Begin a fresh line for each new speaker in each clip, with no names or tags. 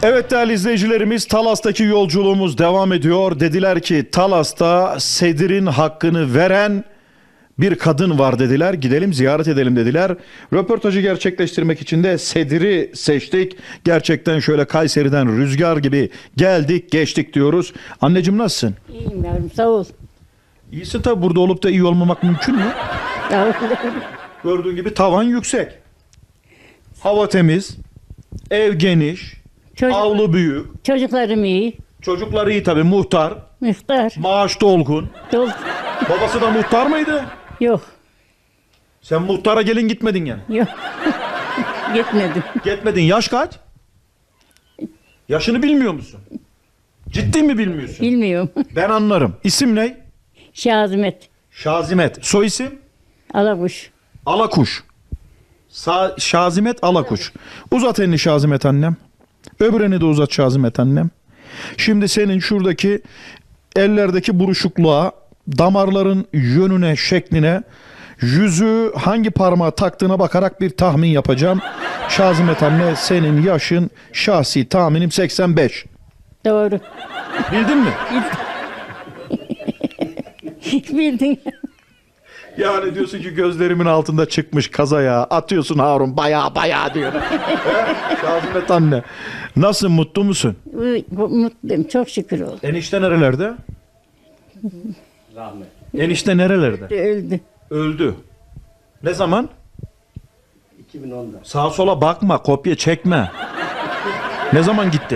Evet değerli izleyicilerimiz, Talas'taki yolculuğumuz devam ediyor. Dediler ki Talas'ta sedirin hakkını veren bir kadın var dediler. Gidelim ziyaret edelim dediler. Röportajı gerçekleştirmek için de sediri seçtik. Gerçekten şöyle Kayseri'den rüzgar gibi geldik geçtik diyoruz. Anneciğim nasılsın?
İyiyim yavrum, sağ ol.
İyisin tabi, burada olup da iyi olmamak mümkün mü?
Sağ ol.
Gördüğün gibi tavan yüksek. Hava temiz. Ev geniş. Avlu büyük.
Çocuklarım iyi.
Çocuklar iyi tabi, muhtar.
Muhtar.
Maaş dolgun.
Dol.
Babası da muhtar mıydı?
Yok.
Sen muhtara gelin gitmedin yani.
Yok. Gitmedim.
Gitmedin. Yaş kaç? Yaşını bilmiyor musun? Ciddi mi bilmiyorsun?
Bilmiyorum.
Ben anlarım. İsim ne?
Şazimet.
Şazimet. Soy isim?
Alakuş.
Alakuş. Şazimet Alakuş. Uzat elini Şazimet annem. Öbür elini de uzat Şazimet annem. Şimdi senin şuradaki ellerdeki buruşukluğa, damarların yönüne, şekline, yüzü hangi parmağa taktığına bakarak bir tahmin yapacağım. Şazimet anne, senin yaşın şahsi tahminim 85.
Doğru.
Bildin mi?
Bildin.
Yani diyorsun ki gözlerimin altında çıkmış kazaya, atıyorsun Harun baya diyor. Şazimet anne. Nasıl, mutlu musun?
Mutluyum. Çok şükür ol.
Enişte nerelerde?
Rahmet.
Enişte nerelerde?
Öldü.
Öldü. Ne zaman?
2010'da.
Sağa sola bakma, kopya çekme. Ne zaman gitti?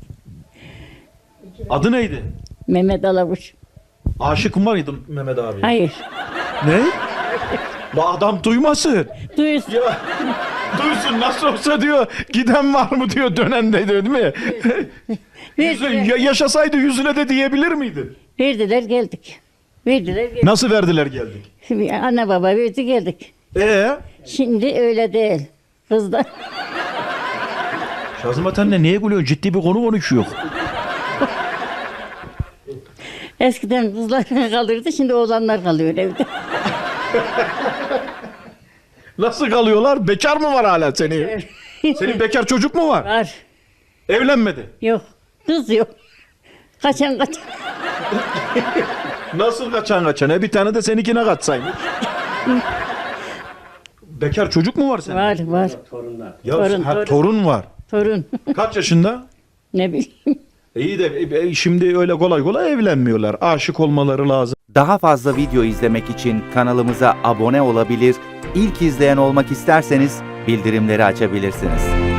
Adı neydi?
Mehmet Alakuş.
Aşık mıydın Mehmet abi?
Hayır.
Ne? La adam duymasın.
Duysun.
Ya, duysun, nasıl olsa diyor, giden var mı diyor, dönen de diyor, değil mi? Yaşasaydı yüzüne de diyebilir miydin?
Verdiler geldik. Verdiler geldik.
Nasıl verdiler geldik?
Şimdi anne baba verdi geldik. Şimdi öyle değil. Kızlar.
Şazimet anne niye gülüyorsun? Ciddi bir konu konuşuyor.
Eskiden kızlar kalırdı, şimdi oğlanlar kalıyor evde.
Nasıl kalıyorlar? Bekar mı var hala senin? Senin bekar çocuk mu var?
Var.
Evlenmedi.
Yok. Kız yok. Kaçan.
Nasıl kaçan? Bir tane de seninkine kaçsaymış. Bekar çocuk mu var senin?
Var.
Torunlar.
Ya,
Torun.
torun var.
Torun.
Kaç yaşında?
Ne bileyim.
İyi de şimdi öyle kolay kolay evlenmiyorlar. Aşık olmaları lazım.
Daha fazla video izlemek için kanalımıza abone olabilir, ilk izleyen olmak isterseniz bildirimleri açabilirsiniz.